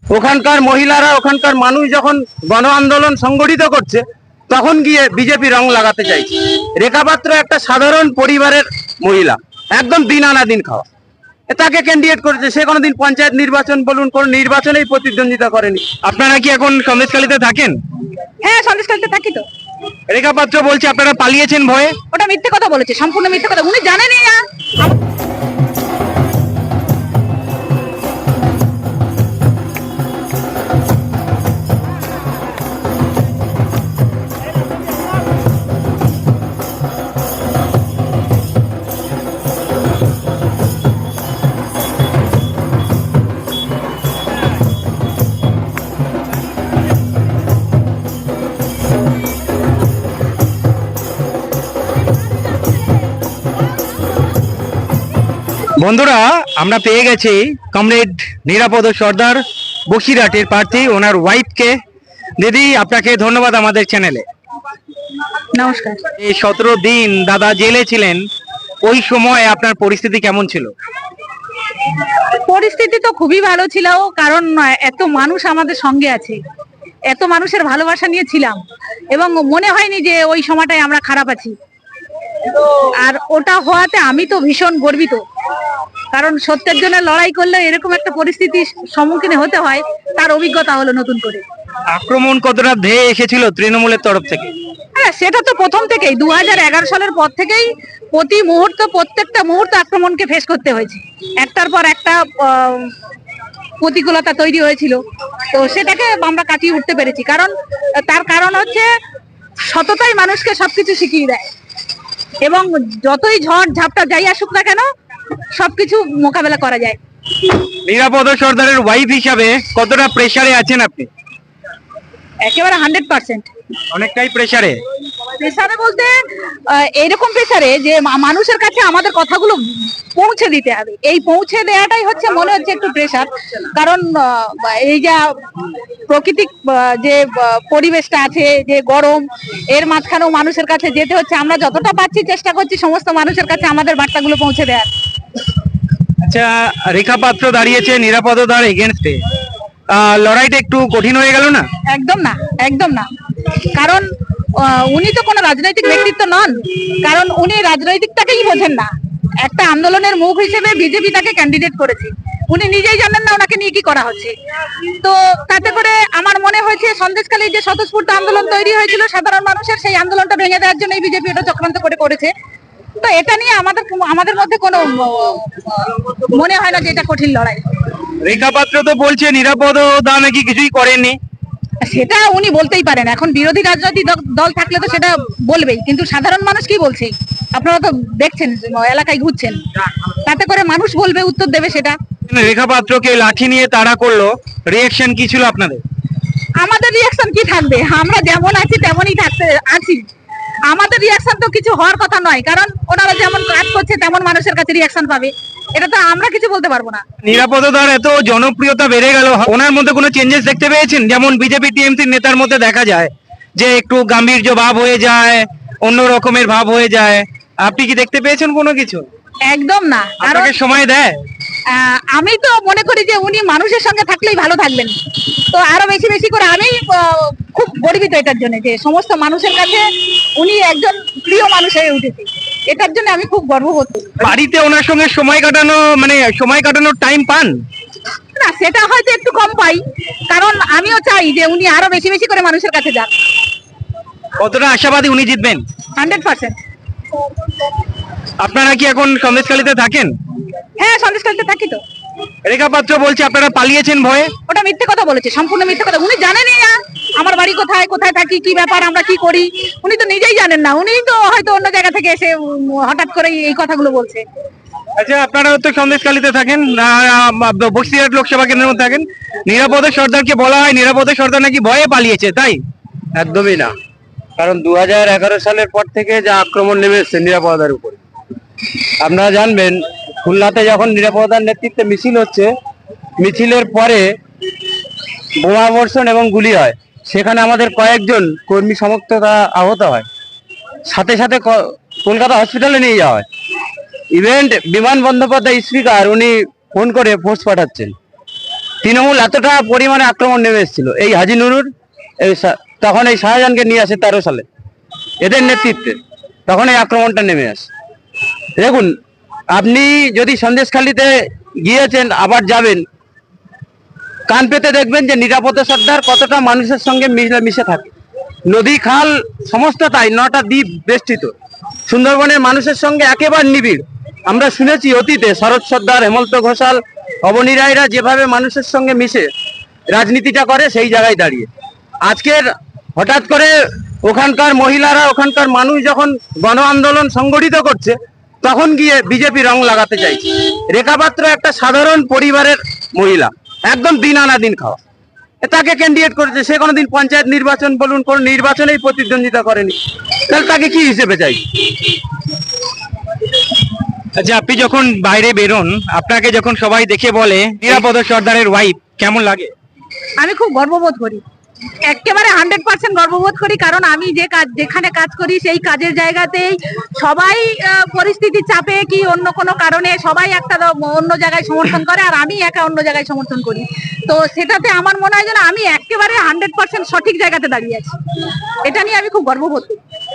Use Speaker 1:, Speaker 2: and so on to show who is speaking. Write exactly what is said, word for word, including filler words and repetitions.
Speaker 1: ওখানকার মহিলারা ওখানকার মানুষ যখন গণ আন্দোলন সংগঠিত করছে তখন গিয়ে বিজেপি রং লাগাতে চাইছে। রেখা পাত্র একটা সাধারণ পরিবারের মহিলা, একদম দিন আনা দিন খাওয়া, তাকে ক্যান্ডিডেট করেছে। সে কোনোদিন পঞ্চায়েত নির্বাচন বলুন কোন নির্বাচনেই প্রতিদ্বন্দ্বিতা করেনি। আপনারা কি এখন সন্দেশখালীতে থাকেন?
Speaker 2: হ্যাঁ, সন্দেশখালীতে থাকি তো।
Speaker 1: রেখা পাত্র বলছে আপনারা পালিয়েছেন ভয়ে।
Speaker 2: ওটা মিথ্যে কথা বলেছে, সম্পূর্ণ মিথ্যে কথা। উনি জানেনই না।
Speaker 1: বন্ধুরা, আমরা পেয়ে গেছি কমরেড নিরাপদ সর্দার, বসিরহাটের প্রার্থী, ওনার ওয়াইফকে। দিদি, আপনাকে ধন্যবাদ আমাদের চ্যানেলে।
Speaker 2: নমস্কার।
Speaker 1: এই সতেরো দিন দাদা জেলে ছিলেন, ওই সময় আপনার পরিস্থিতি কেমন ছিল?
Speaker 2: পরিস্থিতি তো খুবই ভালো ছিল, কারণ এত মানুষ আমাদের সঙ্গে আছে, এত মানুষের ভালোবাসা নিয়ে ছিলাম, এবং মনে হয়নি যে ওই সময়টায় আমরা খারাপ আছি। আর ওটা হওয়াতে আমি তো ভীষণ গর্বিত, কারণ সত্যের জন্য লড়াই করলে এরকম একটা পরিস্থিতির সম্মুখীন হতে হয়, তার অভিজ্ঞতা হলো নতুন করে।
Speaker 1: আক্রমণ কতটা ধেয়ে এসেছিল তৃণমূলের তরফ থেকে?
Speaker 2: হ্যাঁ, সেটা তো প্রথম থেকেই, দু হাজার এগারো সালের পর থেকেই প্রতি মুহূর্ত, প্রত্যেকটা মুহূর্ত আক্রমণকে ফেস করতে হয়েছে। একটার পর একটা প্রতিকূলতা তৈরি হয়েছিল, তো সেটাকে আমরা কাটিয়ে উঠতে পেরেছি। কারণ তার কারণ হচ্ছে সততাই মানুষকে সবকিছু শিখিয়ে দেয়, এবং যতই ঝড় ঝাপটা যাই আসুক না কেন, সবকিছু মোকাবেলা করা যায়।
Speaker 1: নিরাপদ সর্দারের ওয়াইফ হিসাবে কতটা প্রেসারে আছেন আপনি?
Speaker 2: একেবারে হান্ড্রেড পার্সেন্ট।
Speaker 1: অনেকটাই প্রেসারে।
Speaker 2: প্রেসারে বলতে এরকম প্রেসারে যে মানুষের কাছে আমাদের কথাগুলো পৌঁছে দিতে হবে। এই পৌঁছে দেওয়াটাই হচ্ছে মনে হচ্ছে একটু প্রেসার, কারণ এই যা প্রাকৃতিক যে পরিবেশটা আছে, যে গরম, এর মাঝখানেও মানুষের কাছে যেতে হচ্ছে। আমরা যতটা পাচ্ছি চেষ্টা করছি সমস্ত মানুষের কাছে আমাদের বার্তাগুলো পৌঁছে দেওয়ার।
Speaker 1: আচ্ছা, রেখা পাত্র দাঁড়িয়েছে নিরাপদতার এগেনস্টে, লড়াইটা একটু কঠিন হয়ে গেল না?
Speaker 2: একদম না, একদম না। কারণ উনি তো কোনো রাজনৈতিক ব্যক্তিত্ব নন, কারণ উনি রাজনৈতিকটাকেই বোঝেন না। একটা আন্দোলনের মুখ হিসেবে বিজেপি তাকে ক্যান্ডিডেট করেছে, উনি নিজেই জানেন না ওনাকে নিয়ে কি করা হচ্ছে। তো তাতে করে আমার মনে হয়েছে সন্দেশখালীর যে স্বতঃস্ফূর্ত আন্দোলন তৈরি হয়েছিল সাধারণ মানুষের, সেই আন্দোলনটা ভেঙে দেওয়ার জন্য বিজেপি এটা চক্রান্ত করে করেছে। তো এটা নিয়ে আমাদের আমাদের মধ্যে কোনো মনে হয় না যে এটা কঠিন লড়াই।
Speaker 1: রেখা পাত্র তো বলছে নিরাপদতা নাকি কিছুই করেননি।
Speaker 2: সেটা উনি বলতেই পারেন, এখন বিরোধী রাজনৈতিক দল থাকলে তো সেটা বলবেই, কিন্তু সাধারণ মানুষ কি বলছে আপনারা তো দেখছেন, এলাকায় ঘুরছেন, তাতে করে মানুষ বলবে, উত্তর দেবে সেটা।
Speaker 1: রেখা পাত্রকে লাঠি নিয়ে তাড়া করলো, রিঅ্যাকশন কি ছিল আপনাদের?
Speaker 2: আমাদের রিঅ্যাকশন কি থাকবে, আমরা যেমন আছি তেমনই থাকতে আছি। আমাদের রিঅ্যাকশন তো কিছু হওয়ার কথা নয়, কারণ ওনারা যেমন কাজ করছে তেমন মানুষের কাছে রিঅ্যাকশন পাবে, এটা তো আমরা কিছু বলতে পারবো না।
Speaker 1: নিরাপদতার এত জনপ্রিয়তা বেড়ে গেল, ওনার মধ্যে কোনো চেঞ্জেস দেখতে পেয়েছেন? যেমন বিজেপি টিএমসির নেতার মধ্যে দেখা যায় যে একটু গাম্ভীর্য ভাব হয়ে যায়, অন্য রকমের ভাব হয়ে যায়, আপনি কি দেখতে পেয়েছেন কোনো কিছু?
Speaker 2: একদম না।
Speaker 1: আপনাকে সময় দেয়?
Speaker 2: আমি তো মনে করি যে উনি মানুষের সঙ্গে থাকলেই ভালো থাকবেন, তো আরো বেশি বেশি করে আমি খুব গর্বিত এটার জন্য যে সমস্ত মানুষের কাছে উনি একজন প্রিয় মানুষ হয়ে উঠেছে, এটার জন্য আমি খুব গর্ববোধ করি।
Speaker 1: বাড়িতে ওনার সঙ্গে সময় কাটানো, মানে সময় কাটানোর টাইম পান
Speaker 2: না? সেটা হয়তো একটু কম পাই, কারণ আমিও চাই যে উনি আরো বেশি বেশি করে মানুষের কাছে যান।
Speaker 1: কতটা আশাবাদী উনি জিতবেন?
Speaker 2: Hundred percent.
Speaker 1: আপনারা কি এখন সন্দেশখালীতে থাকেন?
Speaker 2: হ্যাঁ, সন্দেশখালীতে থাকি তো।
Speaker 1: রেখা পাত্র বলছে আপনারা পালিয়েছেন ভয়ে।
Speaker 2: ওটা মিথ্যে কথা বলেছে, সম্পূর্ণ মিথ্যে কথা। উনি জানেনই না আমার বাড়ি কোথায়, কোথায় থাকি, কি ব্যাপার, আমরা কি করি, উনি তো নিজেই জানেন না। উনি তো হয়তো অন্য জায়গা থেকে এসে হঠাৎ করে এই কথাগুলো বলছে।
Speaker 1: আচ্ছা, আপনারা তো সন্দেশখালীতে থাকেন, বসিরহাট লোকসভা কেন্দ্রের মধ্যে থাকেন, নিরাপদ সর্দারকে বলা হয় নিরাপদ সর্দার নাকি ভয়ে পালিয়েছে, তাই?
Speaker 3: একদমই না, কারণ দু হাজার এগারো সালের পর থেকে যা আক্রমণ নেমে এসছে নিরাপদার উপরে, আপনারা জানবেন খুলনাতে যখন নিরাপদার নেতৃত্বে মিছিল হচ্ছে, মিছিলের পরে বোমা বর্ষণ এবং গুলি হয়, সেখানে আমাদের কয়েকজন কর্মী সমর্থকরা আহত হয়, সাথে সাথে কলকাতা হসপিটালে নিয়ে যাওয়া হয়। ইভেন্ট বিমান বন্দ্যোপাধ্যায় স্পিকার উনি ফোন করে ফোর্স পাঠাচ্ছেন,
Speaker 1: তৃণমূল এতটা পরিমাণে আক্রমণ নেমে এসেছিল এই হাজি নুরুর এই শা- তখন এই শাহজাহানকে নিয়ে আসে তেরো সালে এদের নেতৃত্বে, তখন এই আক্রমণটা নেমে আসে। দেখুন, আপনি যদি সন্দেশখালীতে গিয়েছেন আবার যাবেন, কান পেতে দেখবেন যে নিরাপত্তা সর্দার কতটা মানুষের সঙ্গে মিশে মিশে থাকে। নদী খাল সমস্ত তাই, নটা দ্বীপ বেষ্টিত, সুন্দরবনের মানুষের সঙ্গে একেবারে নিবিড়। আমরা শুনেছি অতীতে শরৎ সর্দার, হেমন্ত ঘোষাল, অবনী রায়রা যেভাবে মানুষের সঙ্গে মিশে রাজনীতিটা করে, সেই জায়গায় দাঁড়িয়ে আজকের হঠাৎ করে ওখানকার মহিলারা, ওখানকার মানুষ যখন গণ আন্দোলন সংগঠিত করছে, তখন গিয়ে বিজেপি রং লাগাতে চাইছে। রেখা পাত্র একটা সাধারণ পরিবারের মহিলা, একদম দিন আনা দিন খাওয়া, এ তাকে ক্যান্ডিডেট করেছে। সে কোনোদিন পঞ্চায়েত নির্বাচন বলুন, কোন নির্বাচনেই প্রতিদ্বন্দ্বিতা করেনি, তাহলে তাকে কি হিসেবে চাই?
Speaker 4: আচ্ছা, আপনি যখন বাইরে বেরোন, আপনাকে যখন সবাই দেখে বলে নিরাপদ সর্দারের ওয়াইফ, কেমন লাগে?
Speaker 2: আমি খুব গর্ববোধ করি, একেবারে হান্ড্রেড পার্সেন্ট গর্ববোধ করি। কারণ আমি যে কাজ, যেখানে কাজ করি, সেই কাজের জায়গাতেই সবাই আহ, পরিস্থিতির চাপে কি অন্য কোনো কারণে সবাই একটা দ- অন্য জায়গায় সমর্থন করে, আর আমি একা অন্য জায়গায় সমর্থন করি। তো সেটাতে আমার মনে হয় যেন আমি একেবারে হান্ড্রেড পার্সেন্ট সঠিক জায়গাতে দাঁড়িয়ে আছি। এটা নিয়ে আমি খুব গর্ববোধ করি।